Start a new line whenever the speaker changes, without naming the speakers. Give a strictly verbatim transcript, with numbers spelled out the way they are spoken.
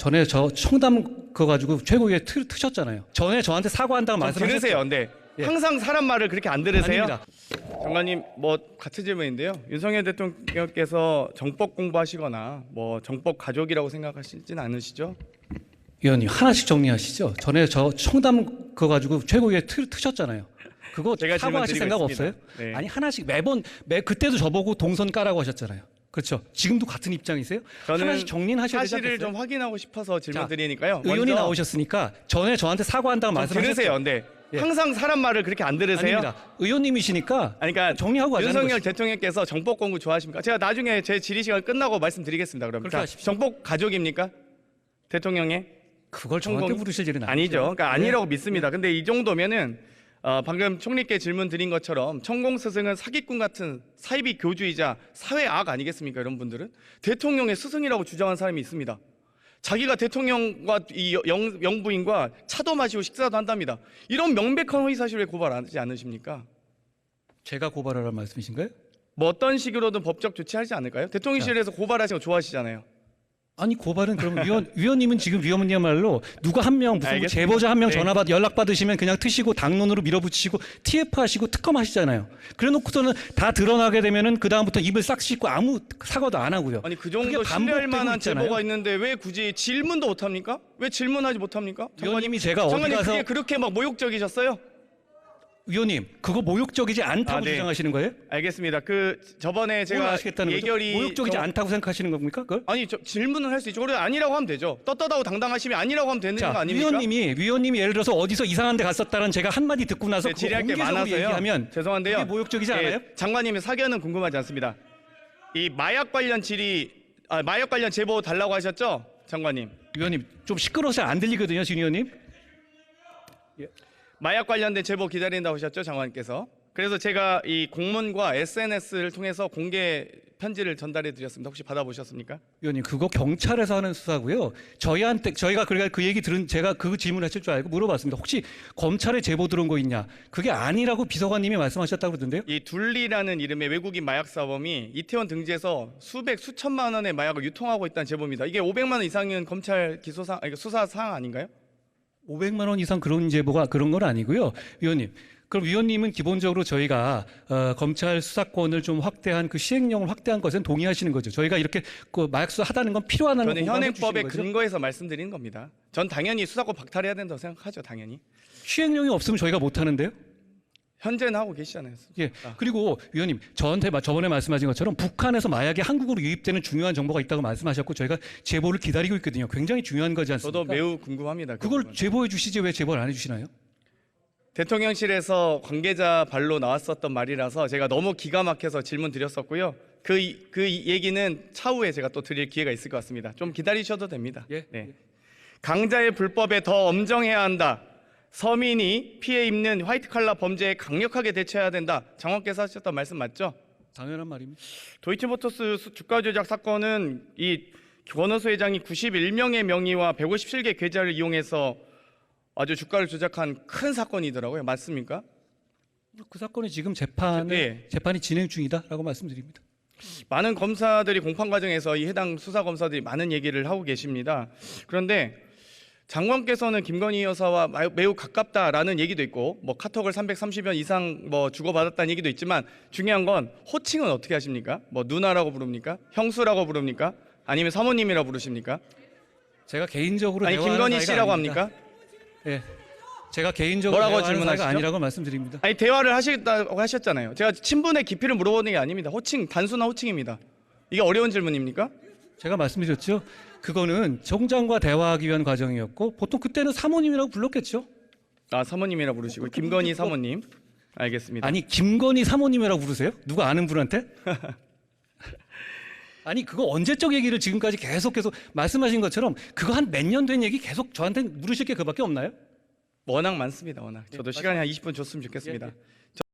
전에 저 청담 그거 가지고 최고위에 트, 트셨잖아요. 전에 저한테 사과한다고
좀
말씀하셨죠.
들으세요. 근데
예.
항상 사람 말을 그렇게 안 들으세요?
아닙니다.
장관님, 뭐 같은 질문인데요. 윤석열 대통령께서 정법 공부하시거나 뭐 정법 가족이라고 생각하시진 않으시죠?
위원님 하나씩 정리하시죠. 전에 저 청담 그거 가지고 최고위에 트, 트셨잖아요. 그거
제가
사과하실 생각
질문드리고
없어요?
있습니다. 네.
아니 하나씩 매번 매 그때도 저보고 동선 까라고 하셨잖아요. 그렇죠. 지금도 같은 입장이세요?
저는
하나씩 정리는 하셔야 되지
사실을
않겠어요?
좀 확인하고 싶어서 질문
자,
드리니까요.
의원이
먼저
나오셨으니까 전에 저한테 사과한다고
좀
말씀하셨죠.
들으세요. 근데
예.
항상 사람 말을 그렇게 안 들으세요?
아닙니다. 의원님이시니까
아니, 그러니까
정리하고 가자는
윤석열
것이죠.
대통령께서 정법 공부 좋아하십니까? 제가 나중에 제 질의 시간 끝나고 말씀드리겠습니다. 그럼
그렇게
자,
하십시오.
정법 가족입니까? 대통령의
그걸 저한테
총공-
물으실 일은
아니죠. 그러니까
네.
아니라고 믿습니다. 근데 이 정도면은 어, 방금 총리께 질문 드린 것처럼 천공 스승은 사기꾼 같은 사이비 교주이자 사회 악 아니겠습니까? 이런 분들은 대통령의 스승이라고 주장한 사람이 있습니다. 자기가 대통령과 이 영, 영부인과 차도 마시고 식사도 한답니다. 이런 명백한 허위 사실 왜 고발하지 않으십니까?
제가 고발하라는 말씀이신가요?
뭐 어떤 식으로든 법적 조치하지 않을까요? 대통령실에서 고발하시는 거 좋아하시잖아요.
아니 고발은 그럼 위원 위원님은 지금 위원님야말로 누가 한 명 무슨 뭐
알겠습니다.
제보자 한 명
네.
전화 받 연락 받으시면 그냥 트시고 당론으로 밀어붙이시고 티에프 하시고 특검 하시잖아요. 그래놓고서는 다 드러나게 되면은 그 다음부터 입을 싹 씻고 아무 사과도 안 하고요.
아니 그
그게
정도 신뢰할
반복되고
만한
있잖아요.
제보가 있는데 왜 굳이 질문도 못합니까? 왜 질문하지 못합니까?
위원님이 제가 어디
장관님
가서
그게 그렇게 막 모욕적이셨어요?
위원님 그거 모욕적이지 않다고
아, 네.
주장하시는 거예요?
알겠습니다. 그 저번에
뭘
제가
아시겠다는
예결이
거죠? 모욕적이지
저-
않다고 생각하시는 겁니까? 그걸?
아니 저 질문을 할 수 있죠. 그래 아니라고 하면 되죠. 떳떳하고 당당하시면 아니라고 하면 되는 거
자,
아닙니까?
위원님이 위원님이 예를 들어서 어디서 이상한 데 갔었다는 제가 한 마디 듣고 나서
네,
그거
질의할 게
공개적으로
많아서요.
얘기하면
죄송한데요.
그게 모욕적이지
예,
않아요?
장관님의 사견은 궁금하지 않습니다. 이 마약 관련 질의, 아, 마약 관련 제보 달라고 하셨죠, 장관님?
위원님 좀 시끄러워서 안 들리거든요, 진 의원님.
마약 관련된 제보 기다린다고 하셨죠, 장관님께서? 그래서 제가 이 공문과 에스엔에스를 통해서 공개 편지를 전달해 드렸습니다. 혹시 받아보셨습니까?
위원님 그거 경찰에서 하는 수사고요. 저희한테 저희가 그러니까 그 얘기 들은 제가 그 질문하실 줄 알고 물어봤습니다. 혹시 검찰에 제보 들어온 거 있냐? 그게 아니라고 비서관님이 말씀하셨다고 그러던데요.
이 둘리라는 이름의 외국인 마약 사범이 이태원 등지에서 수백 수천만 원의 마약을 유통하고 있다는 제보입니다. 이게 오백만 원 이상은 검찰 기소상 아니, 수사 사항 아닌가요?
오백만 원 이상 그런 제보가 그런 건 아니고요, 위원님. 그럼 위원님은 기본적으로 저희가 어, 검찰 수사권을 좀 확대한 그 시행령을 확대한 것은 동의하시는 거죠. 저희가 이렇게 그 마약 수사 하다는 건 필요하다는
저는
공감해
현행법의
주시는 거죠?
근거에서 말씀드리는 겁니다. 전 당연히 수사권 박탈해야 된다고 생각하죠, 당연히.
시행령이 없으면 저희가 못 하는데요.
현재는 하고 계시잖아요.
예.
아.
그리고 위원님 저한테 마- 저번에 말씀하신 것처럼 북한에서 마약이 한국으로 유입되는 중요한 정보가 있다고 말씀하셨고 저희가 제보를 기다리고 있거든요. 굉장히 중요한 거지 않습니까?
저도 매우 궁금합니다. 그
그걸
부분.
제보해 주시지 왜 제보를 안 해주시나요?
대통령실에서 관계자 발로 나왔었던 말이라서 제가 너무 기가 막혀서 질문 드렸었고요. 그, 이- 그 이- 얘기는 차후에 제가 또 드릴 기회가 있을 것 같습니다. 좀 기다리셔도 됩니다.
예.
네. 강자의 불법에 더 엄정해야 한다. 서민이 피해 입는 화이트 칼라 범죄에 강력하게 대처해야 된다. 장관께서 하셨던 말씀 맞죠?
당연한 말입니다.
도이치모터스 수- 주가 조작 사건은 이 권오수 회장이 구십일 명의 명의와 백오십칠 개 계좌를 이용해서 아주 주가를 조작한 큰 사건이더라고요. 맞습니까?
그 사건이 지금 재판에
예.
재판이 진행 중이다라고 말씀드립니다.
많은 검사들이 공판 과정에서 이 해당 수사 검사들이 많은 얘기를 하고 계십니다. 그런데 장관께서는 김건희 여사와 마- 매우 가깝다라는 얘기도 있고, 뭐 카톡을 삼백삼십 여 이상 뭐 주고받았다는 얘기도 있지만 중요한 건 호칭은 어떻게 하십니까? 뭐 누나라고 부릅니까? 형수라고 부릅니까? 아니면 사모님이라고 부르십니까?
제가 개인적으로
아니
대화하는
김건희
사이가
씨라고
아닙니다.
합니까?
예. 제가 개인적으로
뭐라고
대화하는 사이가
질문하시죠?
아니라고 말씀드립니다.
아니 대화를 하시겠다고 하셨잖아요. 제가 친분의 깊이를 물어보는 게 아닙니다. 호칭 단순한 호칭입니다. 이게 어려운 질문입니까?
제가 말씀드렸죠. 그거는 총장과 대화하기 위한 과정이었고 보통 그때는 사모님이라고 불렀겠죠.
아 사모님이라 부르시고 김건희 사모님. 알겠습니다.
아니 김건희 사모님이라고 부르세요? 누가 아는 분한테? 아니 그거 언제적 얘기를 지금까지 계속 계속 말씀하신 것처럼 그거 한 몇 년 된 얘기 계속 저한테 물으실 게 그밖에 없나요?
워낙 많습니다. 워낙. 저도
네,
시간이 한 이십 분 줬으면 좋겠습니다.
예, 예.